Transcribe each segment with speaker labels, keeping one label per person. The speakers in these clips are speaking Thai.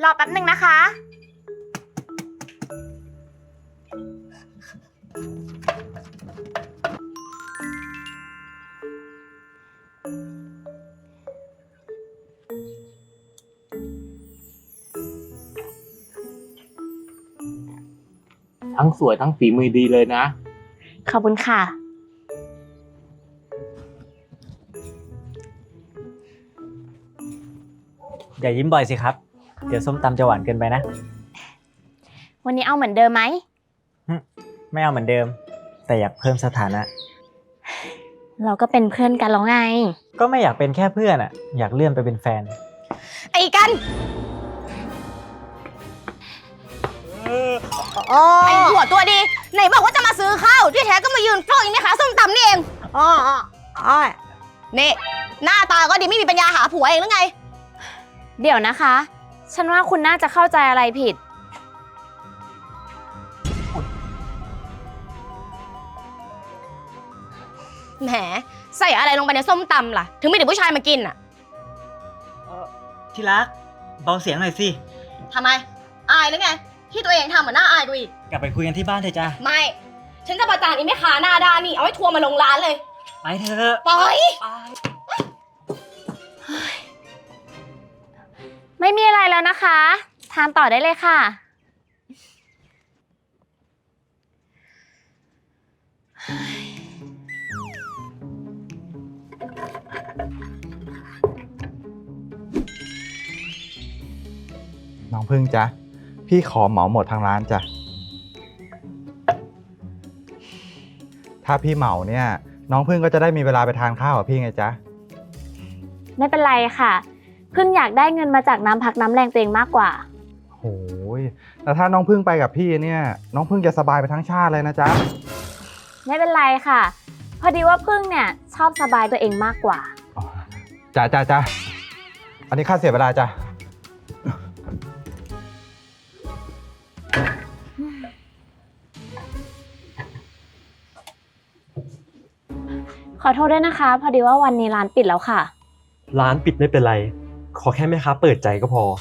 Speaker 1: รอแป๊บหนึ่งนะคะ
Speaker 2: ทั้งสวยทั้งฝีมือดีเลยนะ
Speaker 1: ขอบคุณค่ะ
Speaker 3: อย่ายิ้มบ่อยสิครับ เดี๋ยวส้มตำจะหวานเกินไปนะ
Speaker 1: วันนี้เอาเหมือนเดิมไหม
Speaker 3: ไม่เอาเหมือนเดิม แต่อยากเพิ่มสถานะ
Speaker 1: เราก็เป็นเพื่อนกันแล้วไง
Speaker 3: ก็ไม่อยากเป็นแค่เพื่อนอะอยากเลื่อนไปเป็นแฟน
Speaker 1: ไอ้กันไอ้หัวตัวดี ไหนบอกว่าจะมาซื้อข้าวที่แท้ก็มายืนเฝ้าอย่างนี้ค่ะส้มตำนี่เองนี่หน้าตาก็ดีไม่มีปัญญาหาผัวเองหรือไง เดี๋ยวนะคะ ฉันว่าคุณน่าจะเข้าใจอะไรผิด แหมใส่อะไรลงไปในส้มตำล่ะ ถึงไม่ถึงผู้ชายมากินอ่ะ
Speaker 3: ที่รักเบาเสียงหน่อยสิ
Speaker 1: ทำไม อายหรือไง ที่ตัวเองทำเหมือนหน้าอายกูอีก
Speaker 3: กลับไปคุยกันที่บ้านเถอะจ้า
Speaker 1: ไม่ ฉันจะประจานอีแม่ค้าหน้าด้านนี่ เอาไว้ทัวร์มาลงร้านเลย
Speaker 3: ไปเถอะ
Speaker 1: ปล่อย ไม่มีอะไรแล้วนะคะ ทานต่อได้เลยค่ะ
Speaker 4: น้องพึ่งจ๊ะพี่ขอเหมาหมดทางร้านจ้ะถ้าพี่เหมาเนี่ยน้องพึ่งก็จะได้มีเวลาไปทานข้าวกับพี่ไงจ๊ะ
Speaker 1: ไม่เป็นไรค่ะ เพิ่งอยากได้เงินมาจากน้ำพักน้ำแรงตัวเองมากกว่า
Speaker 4: โหยแต่ถ้าน้องพึ่งไปกับพี่เนี่ยน้องพึ่งจะสบายไปทั้งชาติเลยนะจ๊ะ
Speaker 1: ไม่เป็นไรค่ะ พอดีว่าพึ่งเนี่ยชอบสบายตัวเองมากกว่า
Speaker 4: จ้ะอันนี้ค่าเสียเวลาจ้ะ
Speaker 1: ขอโทษด้วยนะคะ พอดีว่าวันนี้ร้านปิดแล้วค่ะ
Speaker 5: ร้านปิดไม่เป็นไร ขอแค่แม่ค้าเปิดใจก็พอ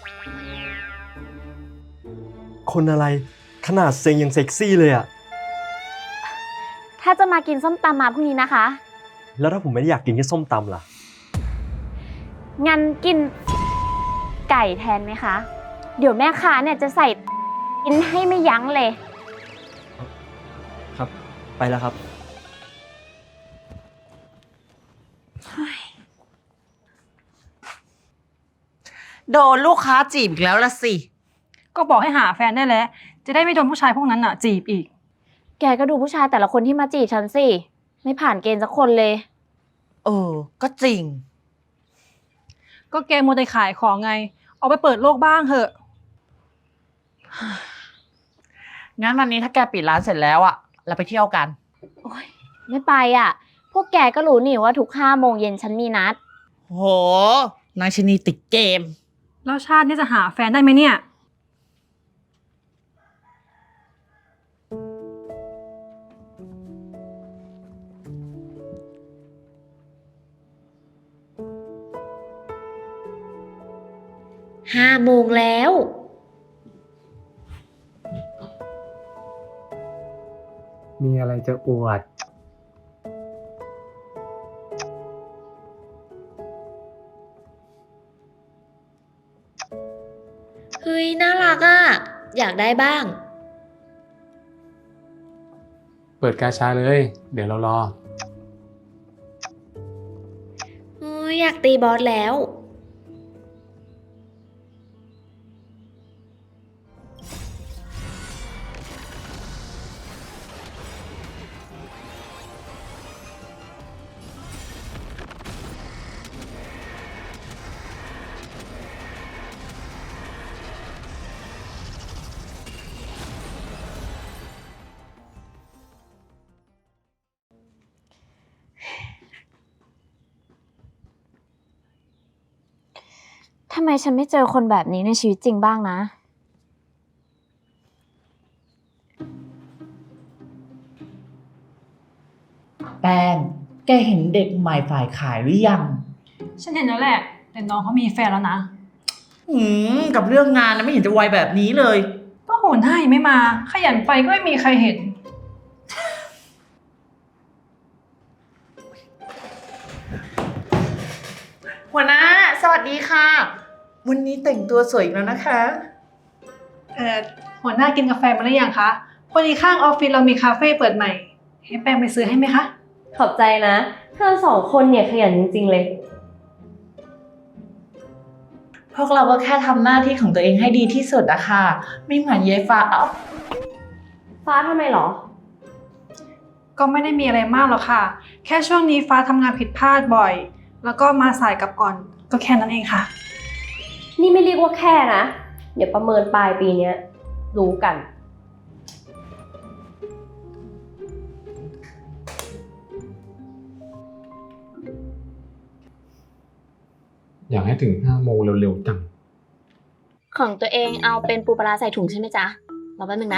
Speaker 5: คนอะไรขนาดเซ็งยังเซ็กซี่เลยอะ
Speaker 1: ถ้าจะมากินส้มตำมาพรุ่งนี้นะคะ
Speaker 5: แล้วถ้าผมไม่ได้อยากกินแค่ส้มตำล่ะ
Speaker 1: งั้นกินไก่แทนไหมคะ เดี๋ยวแม่ค้าเนี่ยจะใส่กินให้ไม่ยั้งเลย
Speaker 5: ครับ ไปแล้วครับ
Speaker 6: โดนลูกค้าจีบอีกแล้วละสิ
Speaker 7: ก็บอกให้หาแฟนได้แล้ว จะได้ไม่โดนผู้ชายพวกนั้นจีบอีก
Speaker 1: แกก็ดูผู้ชายแต่ละคนที่มาจีบฉันสิ ไม่ผ่านเกณฑ์สักคนเลย
Speaker 6: ก็จริง
Speaker 7: ก็แกมัวแต่ขายของไง ออกไปเปิดโลกบ้างเถอะ
Speaker 6: งั้นวันนี้ถ้าแกปิดร้านเสร็จแล้วอะเราไปเที่ยวกัน
Speaker 1: โอ๊ยไม่ไปอ่ะ พวกแกก็รู้นี่ว่าทุก5 โมงเย็นฉันมีนัด
Speaker 6: โห นายชนีติดเกม
Speaker 7: แล้วชาตินี้จะหาแฟนได้ไหมเนี่ย
Speaker 1: 5 โมงแล้ว
Speaker 2: มีอะไรจะอวด
Speaker 1: เฮ้ย น่ารักอ่ะ อยากได้บ้าง
Speaker 2: เปิดกาชาเลย เดี๋ยวเรารอ
Speaker 1: อยากตีบอสแล้ว ทำไมฉันไม่เจอคนแบบนี้ในชีวิตจริงบ้างนะ
Speaker 6: แป้ง แกเห็นเด็กใหม่ฝ่ายขายหรือยัง
Speaker 7: ฉันเห็นแล้วแหละ แต่น้องเขามีแฟนแล้วนะ
Speaker 6: อืกับเรื่องงานนะไม่เห็นจะไวแบบนี้เลย
Speaker 7: ก็หัวหน้ายังไม่มา ขยันไปก็ไม่มีใครเห็น
Speaker 6: หัวหน้าสวัสดีค่ะ วันนี้แต่งตัวสวยอีกแล้วนะคะ
Speaker 7: หัวหน้ากินกาแฟมาหรือยังคะพอดีข้างออฟฟิศเรามีคาเฟ่เปิดใหม่ ให้แป้งไปซื้อให้ไหมคะ
Speaker 8: ขอบใจนะเธอสองคนเนี่ยขยันจริงๆเลย
Speaker 6: พวกเราก็แค่ทำหน้าที่ของตัวเองให้ดีที่สุดอะค่ะ ไม่เหมือนเยฟ้า
Speaker 8: ฟ้าทำไมหรอ
Speaker 7: ก็ไม่ได้มีอะไรมากหรอกค่ะ แค่ช่วงนี้ฟ้าทำงานผิดพลาดบ่อย แล้วก็มาสายกลับก่อน ก็แค่นั้นเองค่ะ
Speaker 8: นี่ไม่เรียกว่าแค่นะ เดี๋ยวประเมินปลายปีเนี้ยรู้กัน
Speaker 2: อยากให้ถึง5 โมงเร็วๆจัง
Speaker 1: ของตัวเองเอาเป็นปูปลาร้าใส่ถุงใช่ไหมจ๊ะรอแป๊บนึงนะ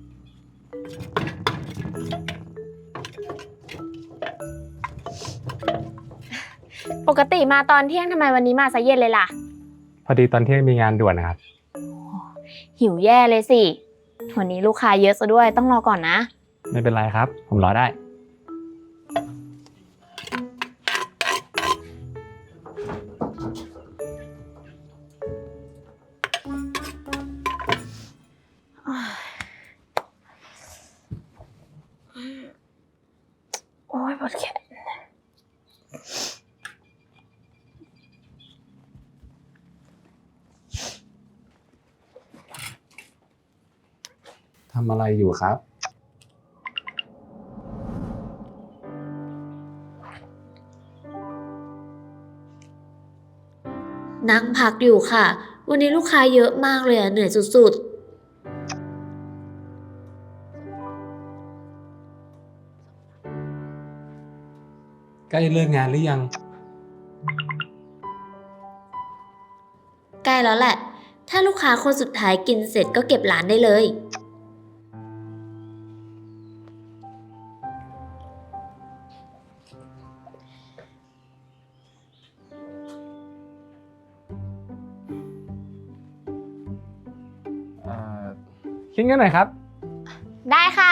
Speaker 1: ปกติมาตอนเที่ยงทำไมวันนี้มาซะเย็นเลยล่ะ
Speaker 2: พอดีตอนเที่ยงมีงานด่วนนะครับ
Speaker 1: หิวแย่เลยสิวันนี้ลูกค้าเยอะซะด้วยต้องรอก่อนนะ
Speaker 2: ไม่เป็นไรครับ ผมรอได้
Speaker 1: โอ้ยปวดแขน
Speaker 2: ทำอะไรอยู่ครับ
Speaker 9: นั่งพักอยู่ค่ะ วันนี้ลูกค้าเยอะมากเลยเหนื่อยสุด
Speaker 2: ใกล้เลิกงานหรือยัง
Speaker 9: ๆ ใกล้แล้วแหละ ถ้าลูกค้าคนสุดท้ายกินเสร็จก็เก็บร้านได้เลย
Speaker 2: คิดเงินหน่อยครับ
Speaker 1: ได้ค่ะ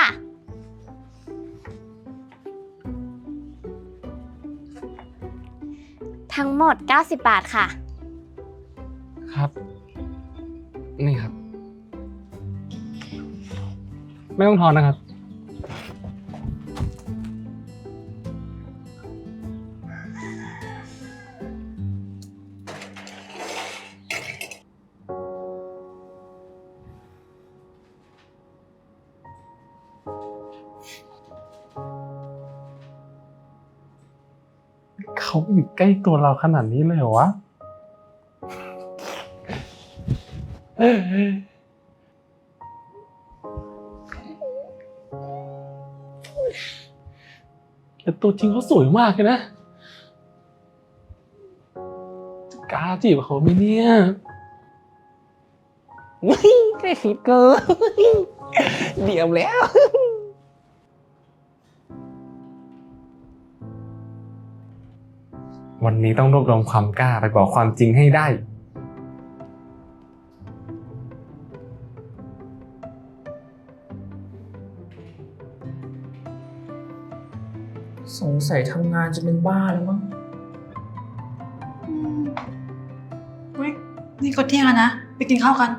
Speaker 1: ทั้งหมด90 บาทค่ะ
Speaker 2: ครับ นี่ครับ ไม่ต้องทอนนะครับ เขาอยู่ใกล้ตัวเราขนาดนี้เลยเหรอวะ แต่ตัวจริงเขาสวยมากเลยนะกล้าจีบเขาไหมเนี่ยใกล้คิดเกินเดี๋ยวแล้ว วันนี้ต้องรวบรวมความกล้าไปบอกความจริงให้ได้
Speaker 6: สงสัยทำงานจะเป็นบ้าแล้วมั้ง
Speaker 7: อุ๊ย นี่ก็เที่ยงแล้วนะ ไปกินข้าวกัน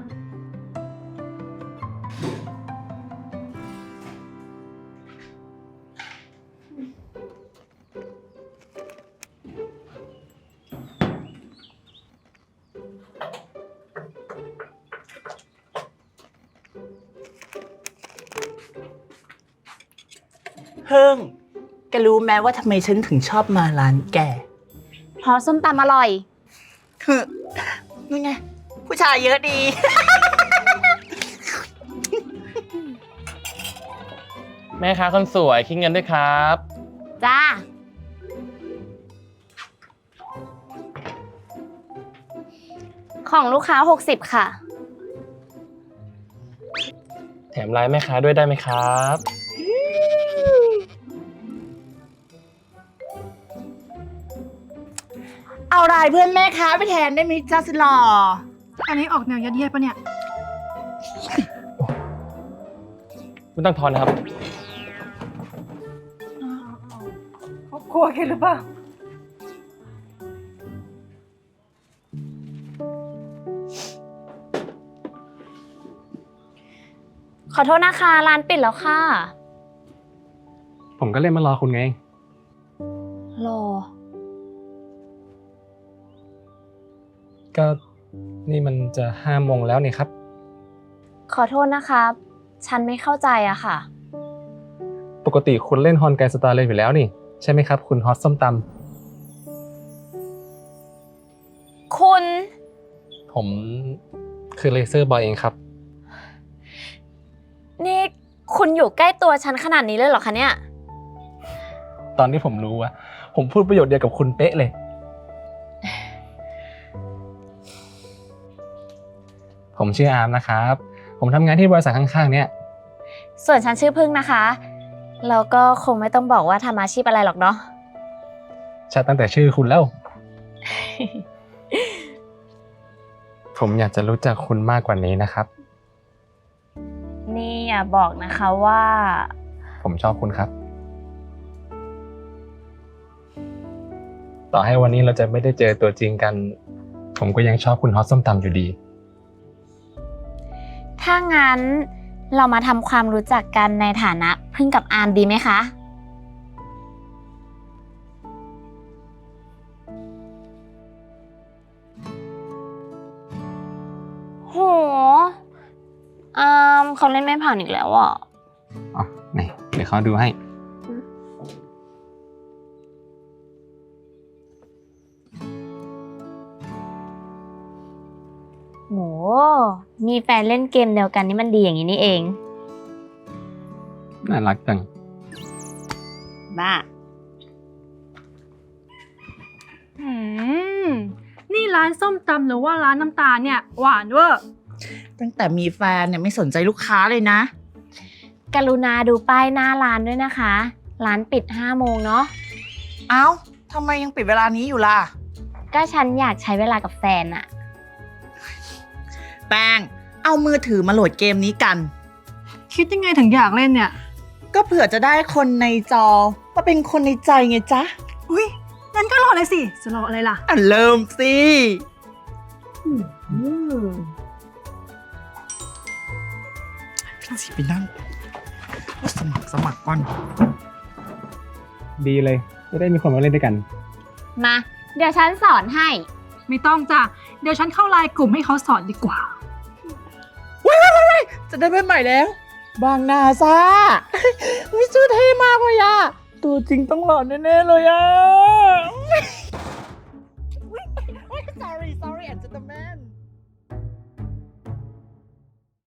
Speaker 6: เพิ่งแกรู้ไหมว่าทำไมฉันถึงชอบมาร้านแก
Speaker 1: เพราะส้มตำอร่อย
Speaker 6: คือนี่ไง ผู้ชายเยอะดี
Speaker 10: แม่ค้าคนสวยคิดเงินด้วยครับ
Speaker 1: จ้า ของลูกค้า60ค่ะ
Speaker 10: แถมไลน์แม่ค้าด้วยได้ไหมครับ
Speaker 6: เอาลายเพื่อนแม่ค้าไปแทนได้ไหมจ้าสิหล่อ
Speaker 7: อันนี้ออกแนวยัดเยียดปะเนี่ย
Speaker 10: ไม่ต้องทอนนะครับ
Speaker 7: ครอบครัวกันหรือเปล่า
Speaker 1: ขอโทษนะคะ ร้านปิดแล้วค่ะ
Speaker 10: ผมก็เล่นมารอคุณไง
Speaker 1: รอ
Speaker 10: ก็นี่มันจะ5 โมงแล้วนี่ครับ
Speaker 1: ขอโทษนะคะ ฉันไม่เข้าใจอะค่ะ
Speaker 10: ปกติคุณเล่นฮอนไกสตาร์เลยอยู่แล้วนี่ ใช่ไหมครับ คุณฮอตส้มต
Speaker 1: คุณ
Speaker 10: ำผมคือเลเซอร์บอยเองครับ
Speaker 1: นี่คุณอยู่ใกล้ตัวฉันขนาดนี้เลยเหรอคะเนี่ย
Speaker 10: ตอนที่ผมรู้อะผมพูดประโยชน์เดียวกับคุณเป๊ะเลย ผมชื่ออาร์มนะครับ ผมทำงานที่บริษัทข้างๆเนี่ย
Speaker 1: ส่วนฉันชื่อพึ่งนะคะ แล้วก็คงไม่ต้องบอกว่าทำอาชีพอะไรหรอกเนาะ
Speaker 10: ชัดตั้งแต่ชื่อคุณแล้ว ผมอยากจะรู้จักคุณมากกว่านี้นะครับ
Speaker 1: นี่อย่าบอกนะคะว่า
Speaker 10: ผมชอบคุณครับ ต่อให้วันนี้เราจะไม่ได้เจอตัวจริงกัน ผมก็ยังชอบคุณฮอตส้มตำอยู่ดี
Speaker 1: ถ้างั้นเรามาทำความรู้จักกันในฐานะพึ่งกับอาร์มดีไหมคะ โห อาร์มเขาเล่นไม่ผ่านอีกแล้วอ่ะ
Speaker 10: อ๋อไหนเดี๋ยวเขาดูให้
Speaker 1: โห มีแฟนเล่นเกมเดียวกันนี่มันดีอย่างนี้นี่เอง
Speaker 10: น่ารักจัง
Speaker 1: บ้า
Speaker 7: นี่ร้านส้มตำหรือว่าร้านน้ำตาลเนี่ย หวานเวอร์
Speaker 6: ตั้งแต่มีแฟนเนี่ยไม่สนใจลูกค้าเลยนะ
Speaker 1: กรุณาดูป้ายหน้าร้านด้วยนะคะ ร้านปิด 5 โมงเนาะ
Speaker 6: เอ้าทำไมยังปิดเวลานี้อยู่ล่ะ
Speaker 1: ก็ฉันอยากใช้เวลากับแฟนอะ
Speaker 6: แป้ง เอามือถือมาโหลดเกมนี้กัน
Speaker 7: คิดยังไงถึงอยากเล่นเนี่ย
Speaker 6: ก็เผื่อจะได้คนในจอมาเป็นคนในใจไงจ๊ะ
Speaker 7: อุ้ยงั้นก็รอเลยสิ จะรออะไรล่ะ
Speaker 6: อ่ะเริ่มสิไปนั่งสมัครก่อน
Speaker 10: ดีเลย จะได้มีคนมาเล่นด้วยกัน
Speaker 1: มา เดี๋ยวฉันสอนให้
Speaker 7: ไม่ต้องจ้ะ เดี๋ยวฉันเข้าไลน์กลุ่มให้เขาสอนดีกว่า
Speaker 6: จะได้เป็นใหม่แล้ว บางนาซ่า วิชื่อเท่มากเลยอะตัวจริงต้องหล่อแน่ๆเลยอะ sorry and gentlemen